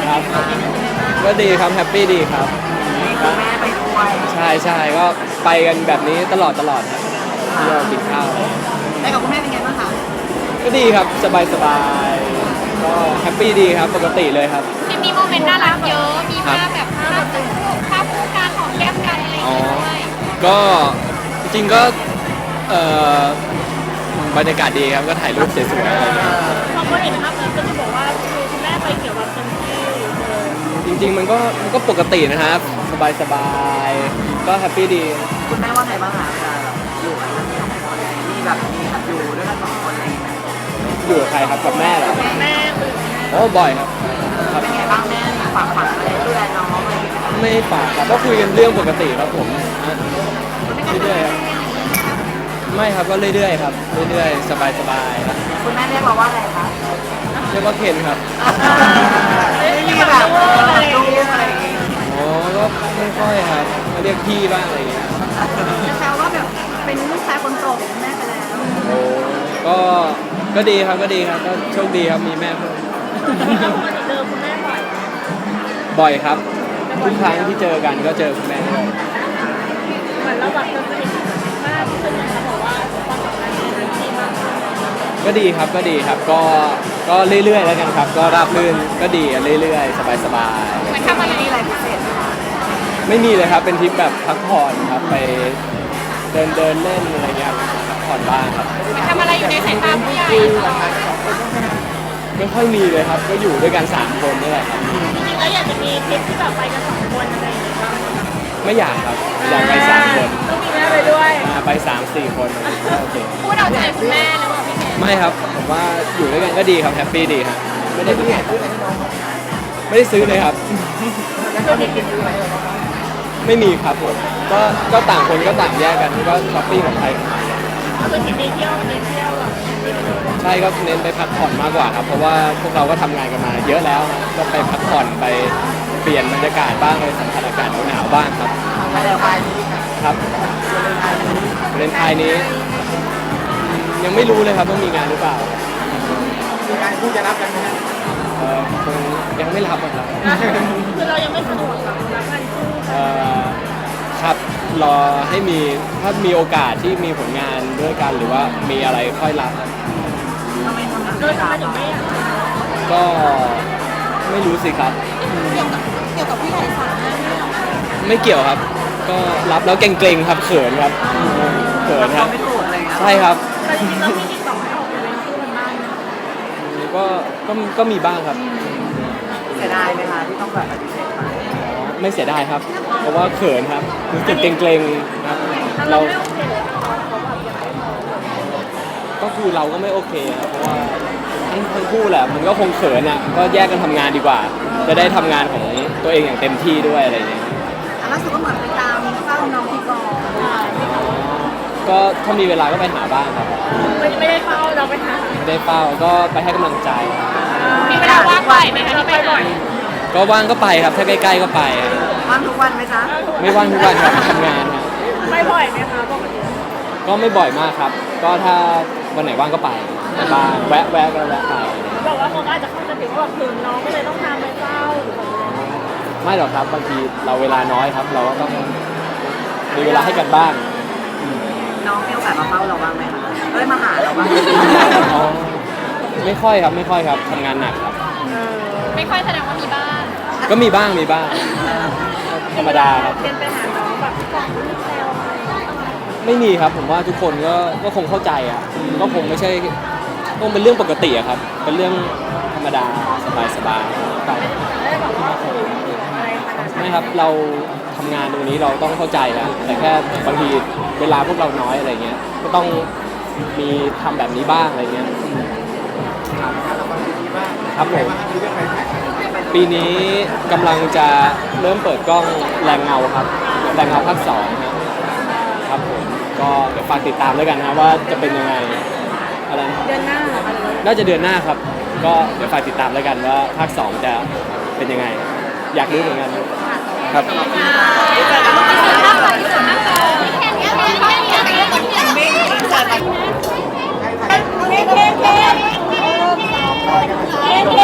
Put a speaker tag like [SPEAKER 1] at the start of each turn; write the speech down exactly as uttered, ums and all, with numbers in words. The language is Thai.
[SPEAKER 1] ครับก็ดีครับแฮปปี้ดีครับ
[SPEAKER 2] มีคุณแม่ไปด้วย
[SPEAKER 1] ใช่ใช่ก็ไปกันแบบนี้ตลอดตลอดครับที่เรากินข้าว
[SPEAKER 2] ไปกับคุณแม่เป็นไงบ้างคะ
[SPEAKER 1] ก็ดีครับสบายสบายก็แฮปปี้ดีครับปกติเลยครับ
[SPEAKER 3] จะมีโมเมนต์น่ารักเยอะ มีภาพแบบภาพคู่ภาพคู่การหอมแก้มกันอะไรอย่าง
[SPEAKER 1] อ๋อ
[SPEAKER 3] เงี้ยด้วย
[SPEAKER 1] ก็จริงๆก็เอ่อบรรยากาศดีครับก็ถ่ายรูปสวยๆอะไรเงี้ย
[SPEAKER 4] พอเขาเห็นภาพนั้นก็จะบอกว่าคือคุณแม่ไปเกี่ยวกับเต็มที่เลย
[SPEAKER 1] จริงๆมันก็มันก็ปกตินะครับสบายสบายก็แฮปปี้ดี
[SPEAKER 2] คุณแม่ว่าไงบ้างคะเวลาแบบอยู่กันสองคนมีแบบมีแบบอยู่ด้วยกันสองคนอะไรอย่างเงี้ย
[SPEAKER 1] อยู่กับใครครับกับแม่เหรอ
[SPEAKER 4] แม่คือ
[SPEAKER 1] โอ้บ่อยครับครับ
[SPEAKER 2] เป็นไงบ้างแม่ฝากฝังอะไรดูแลน้องอะไรอย่างเงี้ย
[SPEAKER 1] ไม่ฝากครับก็คุยกันเรื่องปกติครับผมเรื่อยๆครับไม่ครับก็เรื่อยๆครับเรื่อยๆสบายๆครับ
[SPEAKER 2] คุณแม่เรียกเราว่าอะไรคะ
[SPEAKER 1] เรียกว่าเคนครับ
[SPEAKER 2] มีแบบลูกอะไรอย่างเงี้ย
[SPEAKER 1] อ๋อก็ไม่ค่อยครับก็เรียกพี่บ้างอะไรอย่างเงี้ย
[SPEAKER 2] จะแซวว่าแบบเป็นลูกชายคนโตของคุณแม่ไปแล้ว
[SPEAKER 1] โอ้ก็ก็ดีครับก็ดีครับก็โชคดีครับมีแม่เพิ่ม
[SPEAKER 4] แล้วปกติเจอคุณแม่บ่อย
[SPEAKER 1] บ่อยครับทุกครั้งที่เจอกันก็เจอคุณแม่ด้วย
[SPEAKER 4] เหมือนเราแบบจะสนิทมากขึ้นนะคะบอกว่าความสัมพันธ์เป็นที่มากขึ้น
[SPEAKER 1] ก็ดีครับก็ดีครับก็ก็เรื่อยๆแล้วกันครับ ก็ราบรื่นก็ดีอะเรื่อยๆ สบาย
[SPEAKER 3] เหมือนทำอะไร
[SPEAKER 2] มีอะไรพิเศษไหมคะ
[SPEAKER 1] ๆไม่มีเลยครับเป็นทริปแบบพักผ่อนครับไปเดินเดินเล่นอะไรเงี้ยพักผ่อนบ้างครับ
[SPEAKER 3] เหมือนทำอะไรอยู่ในสายตาผู้ใหญ่ตลอด
[SPEAKER 1] ไม่ค่อยมีเลยครับ ก็อยู่ด้วยกันสามคนนี่แหละครับ
[SPEAKER 4] จริงๆแล้วอยากจะมีทริปที่แบบไปกันสองคนอะไรอย่างเงี้ยบ้างไหมคะ
[SPEAKER 1] ไม่อยากครับอยากไปสามคน
[SPEAKER 4] ต้องมีแม่ไปด้วย
[SPEAKER 1] อ่าไปสามสี่คนโอเค
[SPEAKER 3] พูดเอาใจคุณแม่หรือเปล่าพี่เคน
[SPEAKER 1] ไม่ครับผมว่าอยู่ด้วยกันก็ดีครับแฮปปี้ดีครับไม่ได้ไม่ได้ซื้อเลยครับ ไม่มีครับผมก็ก็ต่างคนก็ต่างแยกกันก็ช้อปปิ้งของใครของมัน
[SPEAKER 4] คือทริปนี้เที่ยวเน้นเที่ยวแบบ
[SPEAKER 1] ใช่ก็เน้นไปพักผ่อนมากกว่าครับ เพราะว่าพวกเราก็ทำงานกันมาเยอะแล้วนะก็ไปพักผ่อนไปเปลี่ยนบรรยากาศบ้างไปสัมผัสอากาศหนาวๆบ้างครับ
[SPEAKER 2] ไปแล้วไปนี้
[SPEAKER 1] ครับเรนไทยนี้ ยังไม่รู้เลยครับว่ามีงานหรือเปล่า
[SPEAKER 2] มีการคู่จะรับกันไหม
[SPEAKER 1] เอ่อคงยังไม่รับอะครับ
[SPEAKER 4] คือเรายังไม่สะดวกกับรับงานคู่
[SPEAKER 1] เอ่อครับรอให้มีถ้ามีโอกาสที่มีผลงานด้วยกันหรือว่ามีอะไรค่อยรับครับ
[SPEAKER 2] ทำไมทำงาน
[SPEAKER 4] โดยทำไมถึงไม่อยาก
[SPEAKER 1] ก็ไม่รู้สิครับ
[SPEAKER 2] เกี่ยวกับพี่ใหญ่สามารถ
[SPEAKER 1] ไม่เกี่ยวครับ ก็รับแล้วเกรงๆครับเขินครับเขินครับ
[SPEAKER 2] ไม่ถูกอะไรเงี้ย
[SPEAKER 1] ใช่ครับ
[SPEAKER 4] แต่จริงๆเรามีติดต่อให้ออกไปเล่นคู่กันบ้างไหมคะ
[SPEAKER 1] ก็ก็ก็มีบ้างครับ
[SPEAKER 2] เสียดายไหมคะที่ต้องแบบปฏิเสธไป
[SPEAKER 1] ไม่เสียดายครับ เพราะว่าเขินครับรู้สึกเกรงๆครับ
[SPEAKER 4] เรา
[SPEAKER 1] เรา
[SPEAKER 4] ไม่โอเคเลยเขาแบบอยากให้มองแบบ
[SPEAKER 1] ก็คือเราก็ไม่โอเคครับเพราะว่าทั้งทั้งคู่แหละมันก็คงเขินอ่ะก็แยกกันทำงานดีกว่า จะได้ทำงานของตัวเองอย่างเต็มที่ด้วยอะไรอย่างเงี้ย
[SPEAKER 2] อันล่าสุดก็เหมือนไปตามเฝ้าน้องที่กอง
[SPEAKER 1] ก็ถ้ามีเวลาก็ไปหาบ้างครับ
[SPEAKER 4] ไม่ไม่ได้เฝ้าเราไปหา
[SPEAKER 1] ไม่ได้เฝ้าก็ไปให้กำลังใจ
[SPEAKER 3] มีเวลาว่างบ่อยไหมคะที่ไปบ่อย
[SPEAKER 1] ก็ว่างก็ไปครับถ้าใกล้ๆก็ไป
[SPEAKER 2] ว่างทุกวันไหมจ๊ะ
[SPEAKER 1] ไม่ว่างทุกวันครับทำงานครับ
[SPEAKER 4] ไม่บ่อยไหมคะปกติ
[SPEAKER 1] ก็ไม่บ่อยมากครับ ก็ถ้าวันไหนว่างก็ไปบ้างแวะแวะก็แวะไป
[SPEAKER 4] บอกว่าเขาอาจจะเข้าใจผิดว่าแบบถึงน้องก็เลยต้องทำไปเฝ้าหรือแบบอะไร
[SPEAKER 1] ไม่หรอกครับบางทีเราเวลาน้อยครับ เราก็ต้องมีเวลาให้กันบ้าง
[SPEAKER 2] น้องมีโอกาสมาเฝ้าเราบ้างไหมคะเอ้ยมาหาเราบ้างไหม
[SPEAKER 1] อ๋อไม่ค่อยครับไม่ค่อยครับทำงานหนักครับ
[SPEAKER 3] ไม่ค่อยแสดงว่ามีบ้าง
[SPEAKER 1] ก็มีบ้างมีบ้างธรรมดาครับ
[SPEAKER 4] เรียนไปหาน้องแบบก่อนที่แซวอะไรอย่างเงี้ย
[SPEAKER 1] ไม่มีครับผมว่าทุกคนก็ก็คงเข้าใจอ่ะก็คงไม่ใช่คงเป็นเรื่องปกติอะครับ เป็นเรื่องธรรมดาสบายๆครับ
[SPEAKER 4] ไม่ได้แบบว่าโอ้โหอะไรขนาดนั้น
[SPEAKER 1] ไม่ครับเราทำงานตรงนี้เราต้องเข้าใจนะแต่แค่บางทีเวลาพวกเราน้อยอะไรเงี้ยก็ต้องมีทำแบบนี้บ้างอะไรเงี้ยครับผมปีนี้กำลังจะเริ่มเปิดกล้องแรงเงาครับแรงเงาภาคสองครับครับผมก็เดี๋ยวฝากติดตามแล้วกันนะว่าจะเป็นยังไงอะไรนะ
[SPEAKER 4] เดือนหน้าเหรอคะหรือว่า
[SPEAKER 1] น่าจะเดือนหน้าครับ ก็เดี๋ยวฝากติดตามแล้วกันว่าภาคสองจะเป็นยังไง อยากรู้เหมือนกันครับ
[SPEAKER 3] ที่สุดมากเลยที่สุดมากเลยพี่เคนเนี่ยพี่เคนเนี่ยพี่เคนเนี่ยพี่เคนเนี่ยพี่เคนเนี่ยพี่เคนเนี่ย